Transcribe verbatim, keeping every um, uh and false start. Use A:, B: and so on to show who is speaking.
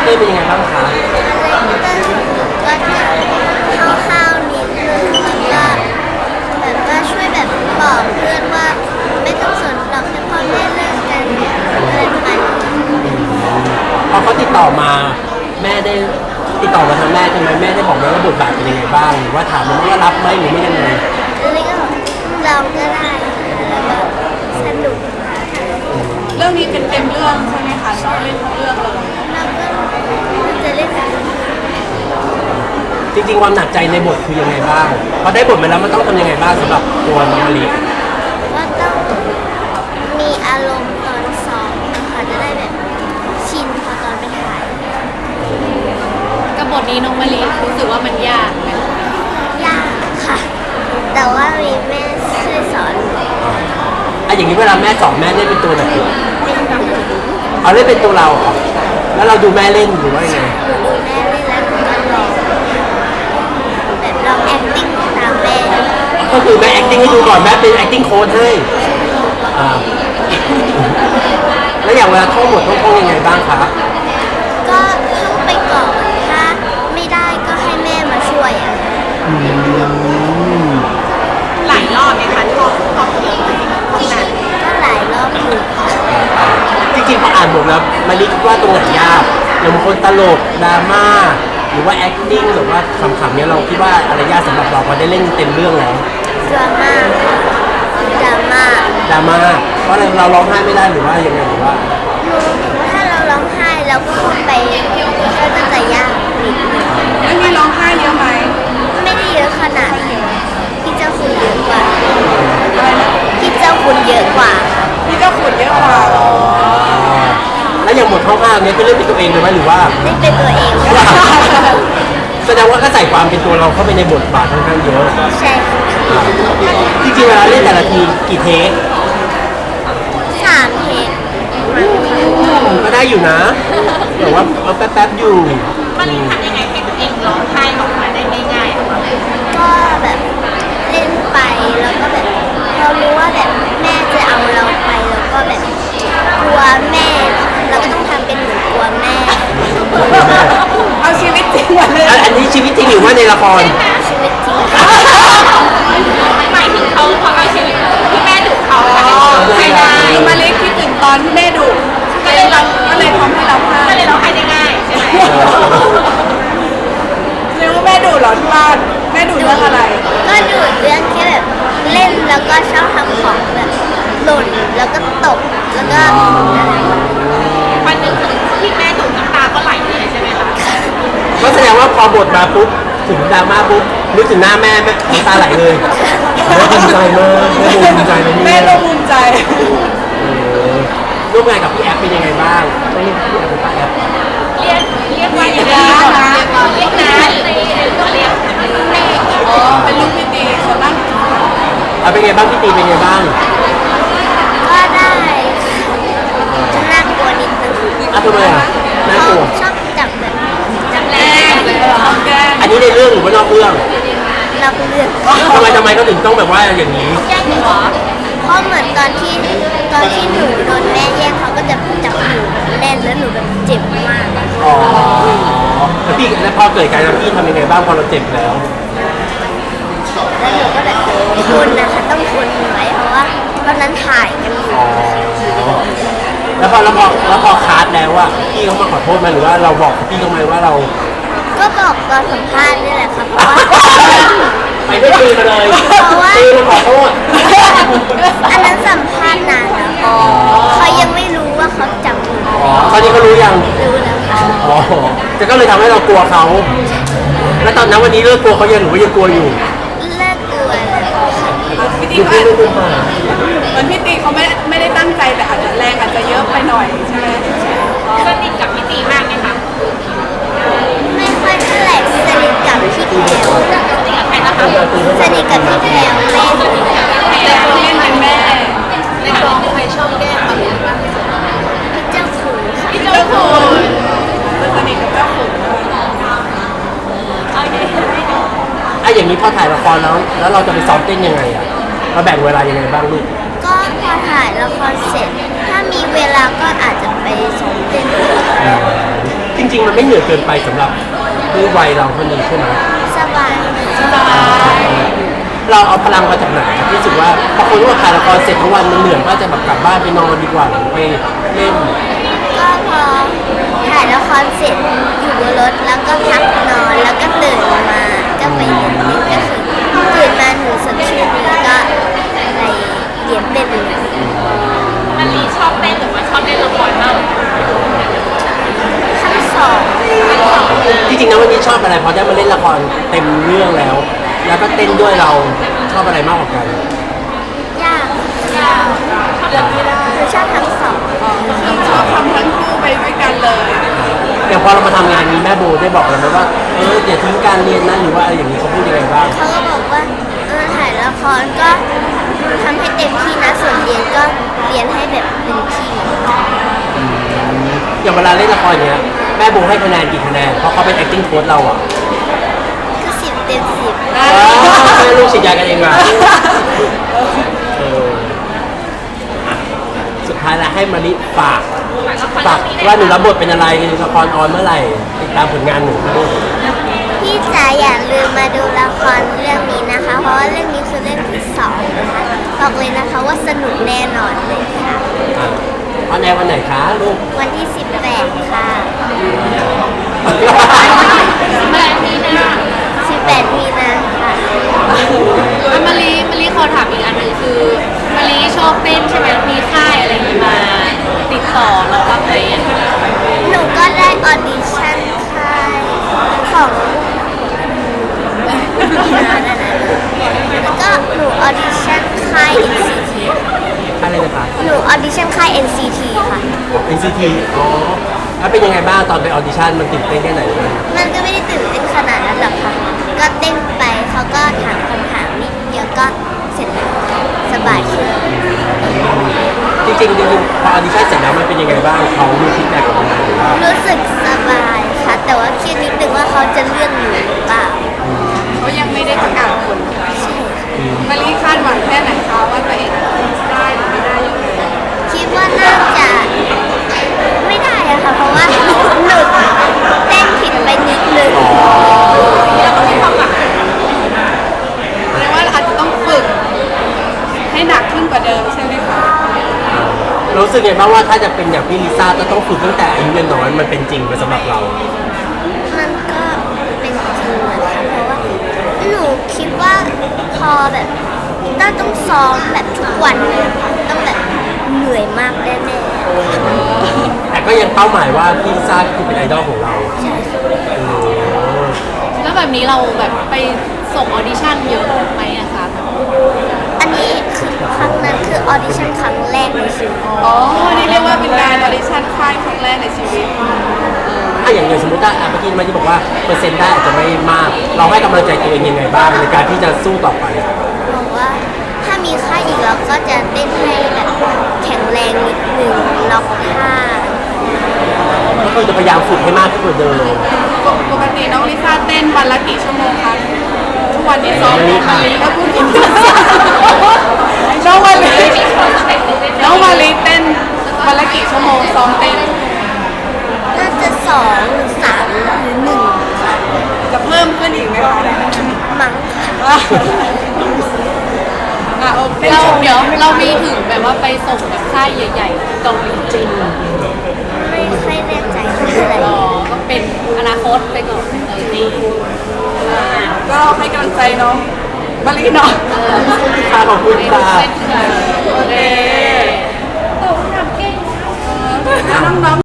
A: เต้เป็นยังไงบ้างคะ
B: คาแรคเตอร์ก็จะห้าวๆนิดนึงแล้วก็แบบว่าช่วยแบบบอกเพื่อนว่าไม่ต้องสนหรอกแค่พ่อแม่เลิกกันอะไรประมาณนี้
A: พอเขาติดต่อมาแม่ได้ติดต่อมาทางแม่ใช่ไหมแม่ได้บอกไหมว่าบทบาทเป็นยังไงบ้างหรือว่าถามมันว่ารับไหมหรือไม่ยังไง
B: แล้วก็บอกลองก็ได้แล้วก็สนุก
C: เรื่องนี้เป็นเต็มเรื่องใช่ไหมคะชอบเล่นทั้งเรื่องเลย
B: เราก็จะเล่นแบบ
A: จริงๆความหนักใจในบทคือยังไงบ้างพอได้บทมาแล้วมันต้องทำยังไงบ้างสำหรับตัวน้องมะลิ
B: ว่าต้องมีอารมณ์ตอนซ้อมนะคะจะได้แบบชินพอตอนไปถ่าย
C: กับบทนี้น้องมะลิรู้สึกว่ามันยากไหม
B: ยากค่ะ แต่ว่ามีแม่ช่วยสอน
A: อ่ะอย่างนี้เวลาแม่สอนแม่เล่นเป็นตัวไหน
B: เป็นหนู
A: เอาเล่นเป็นตัวเราเหรอแล้วเราดูแม่เล่นหรือว่ายังไง
B: หนูดูแม่เล่นแล้วหนูก็ลองแบบลอง acting ตามแม่
A: ก็คือแม่ acting ให้ดูก่อนแม่เป็น acting coach ให้อ่าแล้วอย่างเวลาท่องบทท่องท่องยังไงบ้างคะ
B: ก็ท่องไปก่อนถ้าไม่ได้ก็ให้แม่มาช่วยอะ
A: อืม
C: หลายรอบไหมคะท่องท่องเยอะไหมท่องนาน
B: ก็หลายรอบอยู่ค่ะ
A: จริงๆพออ่านบทแล้วมะลิคิดว่าตรงไหนยากอย่างบางคนตลกดราม่าหรือว่า acting หรือว่าขำๆเนี่ยเราคิดว่าอะไรยากสำหรับเราพอได้เล่นเต็มเรื่องแล้ว
B: ดราม่าดราม่า
A: ดราม่าเพราะอะไรเราร้องไห้ไม่ได้หรือว่ายังไงหรือว่า
B: หนูว่าถ้าเราร้องไห้เราก็พูดไปก็จะจะยากนิดนึง
C: แล้วมีร้องไห้เยอะไหม
B: ไม่ได้เยอะขนาดนั้นพี่เจ้าคุณเยอะกว่า
C: อะไรนะ
B: พี่เจ้าคุณเยอะกว่า
C: พี่เจ้าขุนเยอะกว่าเหรอ
A: แล้วอย่างบทห้าวๆเนี่ยคือเล่นเป็นตัวเองเลยไหมหรือว่า
B: ไม่เป็นตัวเอง
A: แสดงว่าก็ใส่ความเป็นตัวเราเข้าไปในบทบาทค่อนข้างเยอะ
B: ใช่ค่ะ
A: จริงๆเวลาเล่นแต่ละทีกี่เทค
B: สามเพลง
A: ก็ได้อยู่นะแต่ว่าเอาแป๊บๆอยู่
C: มันทำยังไงให้ตัวเองร้องไห้ออกมาได้ง่ายๆอะคะ
B: ก็แบบเล่นไปแล้วก็แบบเรารู้ว่าแบบแม่จะเอาเราไปแล้วก็แบบกลัวแม่เราก็ต้องทำเป็นเหมือนกลัวแม่
C: เอาชีวิตจริงมาเลย
A: อันอันนี้ชีวิตจริงหรือว่าในละคร
B: ชีวิตจริง
C: หมายถึงเขาเขาเอาชีวิตที่แม่ดุเขาให้ได้มาเล็กคิดถึงตอนที่แม่ดุก็เลยเราก็เลยทำให้เราพลาดก็เลยเราให้ได้ง่ายใช่ไหมเรียกว่าแม่ดุเหรอที่บ้านแม่ดุเรื่องอะไร
B: ก็ดูดเรื่องแค่แบบเล่นแล้วก็ชอบทำของแบบหล่นแล้วก็ตกแล้วก็อะไร
C: วันหนึ่งที่แม่ดุน้ำตาก็ไหลเลยใช่ไหมคะ
A: ก็แสดงว่าพอบทมาปุ๊บถึงดราม่าปุ๊บนึกถึงหน้าแม่แม่น้ำตาไหลเลยแม่ภูมิใจมากแม่ภูมิใจนะ
C: แม่
A: เนี่ย
C: ก็ภูมิใจ
A: ร่วมงานกับพี่แอฟเป็นยังไงบ้างต้องเรียกพี่แอฟเป็นป้าแอฟ
C: เรียกเรียกว่าอย่างนี้นะเรียกนะเรียกเรียกแม่อ๋อเป็นลูกพี่ตีส่วนมาก
A: เอาเป็นไงบ้างพี่ตีเป็นไงบ้าง
B: ก็ได้จะน่ากลัวนิดนึง
A: อ่ะทำไมอ่ะน่ากลัว
B: ชอบจับแบบจับ
C: แร
B: แรง
C: กเลยเหรอแก
A: อันนี้ในเรื่องหรือว่านอกเรื่อง
B: เราเลือก
A: ทำไมทำไมเขาถึงต้องแบบว่าอย่างนี้
B: แย่งเหรอเพราะเหมือนตอนที่ตอนที่หนูโดนแม่แย่งเขาก็จะจับหนูแน่นแล้วหนูแบบเจ็บมากอะ
A: อ๋อแล้วพี่แล้วพอเกิดการณ์พี่ทำยังไงบ้างพอเราเจ็บแล้ว
B: แล้วหนูก็แบบทนนะคะต้องทนไว้เพราะว่าตอนนั้นถ่ายกันอยู่
A: อ๋อแล้วพอแล้วพอแล้วพอคาร์ดแล้วว่าพี่เขามาขอโทษไหมหรือว่าเราบอกพี่เขาไหมว่าเรา
B: ก็บอกตอนสัมภาษณ์นี่แหละครับเพราะว่า
A: ไปไม่คืนมาเลย
B: เพราะว่า
A: ตีมาขอโทษ
B: อันนั้นสัมภาษณ์นานแล้วเขายังไม่รู้ว่าเขาจับหนู
A: อ๋อตอนนี้เขารู้ยัง
B: รู้แล้วค่ะ
A: อ๋อจะก็เลยทำให้เรากลัวเขา แล้วตอนนั้นวันนี้เลิกกลัวเขายังหรือว่ายังกลัวอยู่
B: เลิกกลัวแล้วค่ะ
C: พี่ตี
A: ดู
C: ก็
A: พี่
C: อาจ
A: ไม่ดูมา
C: เหมือนพี่ตีเขาไม่ไม่ได้ตั้งใจแต่อาจจะแรงอาจจะเยอะไปหน่อยใช่ไหมสนิทกับพี่ตีมากไหมคะ
B: ไม่ค่อยเท่าไหร่สนิทกับพี่แพรว
C: สนิทกับใครนะคะ
B: สนิทกับพี่แพรวแม่หนู
C: แต่คนเล่นเป็นแม่ในกองใครชอบแก้มาเลยบ้าง
B: พี่เจ้าขุนค่ะ
C: พี่เจ้าคุณสนิทกับเจ้าคุณโอเค
A: ไอ้อย่างนี้พอถ่ายละครแล้ว แล้วเราจะไปซ้อมเต้นยังไงอ่ะเราแบ่งเวลายังไงบ้างลูก
B: ก็พอถ่ายละครเสร็จ ถ้ามีเวลาก็อาจจะไปซ้อมเต้น
A: จริงริง ๆ มันไม่เหนื่อยเกินไปสำหรับด้วยวัยเราคนนี้ใช่ไหม
B: สบาย
C: สบาย
A: เราเอาพลังมาจากไหนที่รู้สึกว่าพอคนว่าถ่ายละครเสร็จทั้งวันมันเหนื่อยก็จะแบบกลับบ้านไปนอนดีกว่าหรือไปเล่น
B: ก็พอถ่ายละครเสร็จอยู่บนรถแล้วก็พักนอนแล้วก็ตื่นมาก็ไปเรียนเต้นก็คือตื่นมาหนูสดชื่นแล้วก็ไปเรียนเต้นเลย
C: มันลีชอบเต้นหรือว่าชอบเล่นละครมาก
B: ทั้งสอง
A: จริงๆนะวันนี้ชอบอะไรพอได้มาเล่นละครเต็มเรื่องแล้ว แล้วก็เต้นด้วยเราชอบอะไรมากกว่ากัน
B: ยาก
C: ยากชอบเล่นไม่ได้
B: หนูชอบทั้งสอง
C: ชอบทำทั้งคู่ไปด้วยกันเลย
A: อย่างพอเรามาทำงานนี้แม่โบได้บอกเราไหมว่าเอออย่าทิ้งการเรียนนะหรือว่าอะไรอย่างนี้เขาพูดยังไงบ้าง
B: เขาก็บอกว่าเออถ่ายละครก็ทำให้เต็มที่นะส่วนเรียนก็เรียนให้แบบเต็มที่
A: อย่างเวลาเล่นละครเนี้ยแม่โบให้คะแนนกี่คะแนนเพราะเขาเป็น acting coach เราอ่ะ
B: คือสิบเต็มสิบ
A: เออให้ลูกฉีดยากันเองมาเอออ่ะสุดท้ายแล้วให้มาริฝากฝากว่าหนูรับบทเป็นอะไรในละครออนเมื่อไหร่ติดตามผลงานหนูนะลูก
B: พี่จ๋าอย่าลืมมาดูละครเรื่องนี้นะคะ เพราะว่าเรื่องนี้คือเรื่องที่สองนะคะบอกเลยนะคะว่าสนุกแน่นอนเลยค่ะ
A: อ่ะออนแอร์วันไหนคะลูก
B: วันที่สิบแปดค่ะ
C: แม่มีนะ
B: สิบแปดมีนาค่ะ
C: แล้วมารีมารีขอถามอีกอันหนึ่งคือมารีชอบเต้นใช่ไหมมีค่ายอะไรอย่างงี้มาติดต่อเราบ้างไหมอะ
B: หนูก็ได้ออดิชั่นค่ายของแล้วก็หนูออดิชั่นค่าย เอ็น ซี ที
A: อะไรนะคะ
B: หนูออดิชั่นค่าย เอ็น ซี ที ค่ะ
A: เอ็น ซี ที อ๋อแล้วเป็นยังไงบ้างตอนไปออดิชั่นมันตื่นเต้นแค่ไหนบ้าง
B: มันก็ไม่ได้ตื่นเต้นขนาดนั้นหรอกค่ะ ก็เต้นไปเขาก็ถามคำถามนิดเดียวก็เสร็จแล้วสบายขึ้น
A: จริงๆจริงๆพอออดิชั่นเสร็จแล้วมันเป็นยังไงบ้างเขามีฟีดแบ็กกลับมาหรือว่า
B: รู้สึกสบายค่ะ แต่ว่าเครียดนิดนึงว่าเขาจะเลื่อนหนูหรือเปล่า
C: เขายังไม่ได้ประกาศผล
B: ใช่ค่ะ
C: มารีคาดหวังแค่ไหนคะว่าตัวเองได้หรือไม่ได้ยังไง
B: คิดว่าน่าจะไม่ได้อะค่ะ เพราะว่าหนูเต้นผิดไปนิดนึง
C: แล้วก็มีความหวังแสดงว่าอาจจะต้องฝึกให้หนักขึ้นกว่าเดิมใช่ไหมคะ
A: รู้สึกไงบ้างว่าถ้าจะเป็นอย่างพี่ลิซ่าจะต้องฝึกตั้งแต่อายุยังน้อยมันเป็นจริงไหมสำหรับเรา
B: มันก็เป็นจริงนะคะเพราะว่าหนูคิดว่าพอแบบต้าต้องซ้อมแบบทุกวันเลยค่ะต้องแบบเหนื่อยมากแน่
A: แต่ก็ยังเป้าหมายว่าพี่ลิซ่าคือเป็นไอดอลของเรา
B: ๆใช่ค่ะ
A: เออ
C: แล้วแบบนี้เราแบบไปส่งออดิชั่นเยอะไหมอะคะ
B: อันนี้คือครั้งนั้นคือออดิชั่นครั้งแรกในชีวิต
C: อ๋อนี่เรียกว่าเป็นการออดิชั่นค่ายครั้งแรกในชีวิต
A: ถ้าอย่างอย่างสมมติว่าอ่ะเมื่อกี้มาที่บอกว่าเปอร์เซ็นต์ได้อาจจะไม่มาก เราให้กำลังใจตัวเองยังไงบ้างในการที่จะสู้ต่อไป
B: บอกว่าถ้ามีค่ายอีกเราก็จะเต้นให้แบบแข็งแรงนิดนึงล็อกท่า
A: ก็คือจะพยายามฝึกให้มากขึ้นกว่าเดิม
C: ปกติน้องลิซ่าเต้นวันละกี่ชั่วโมงคะทุกวันนี้ซ้อมมาลีก็พูดผิดน้องมาลีน้องมาลีเต้นวันละกี่ชั่วโมงซ้อมเต้น
B: น่าจะสองหรือสามหรือหนึ่งค่ะ
C: จะเพิ่มขึ้นอีกไหมคะ
B: มั้งค่ะ
C: อ่ะโอเคเราเดี๋ยวเรามีถึงแบบว่าไปส่งแบบค่ายใหญ่ๆเกาหลีจริง
B: ไม่ค่อยแน่ใจเท่าไหร่
C: อ๋อก็เป็นอนาคตไปก่อนเออดีก็ให้กำลังใจน้องมาลีเนาะ
A: ค่ะขอบคุณค่ะ
C: โอเคน้องๆ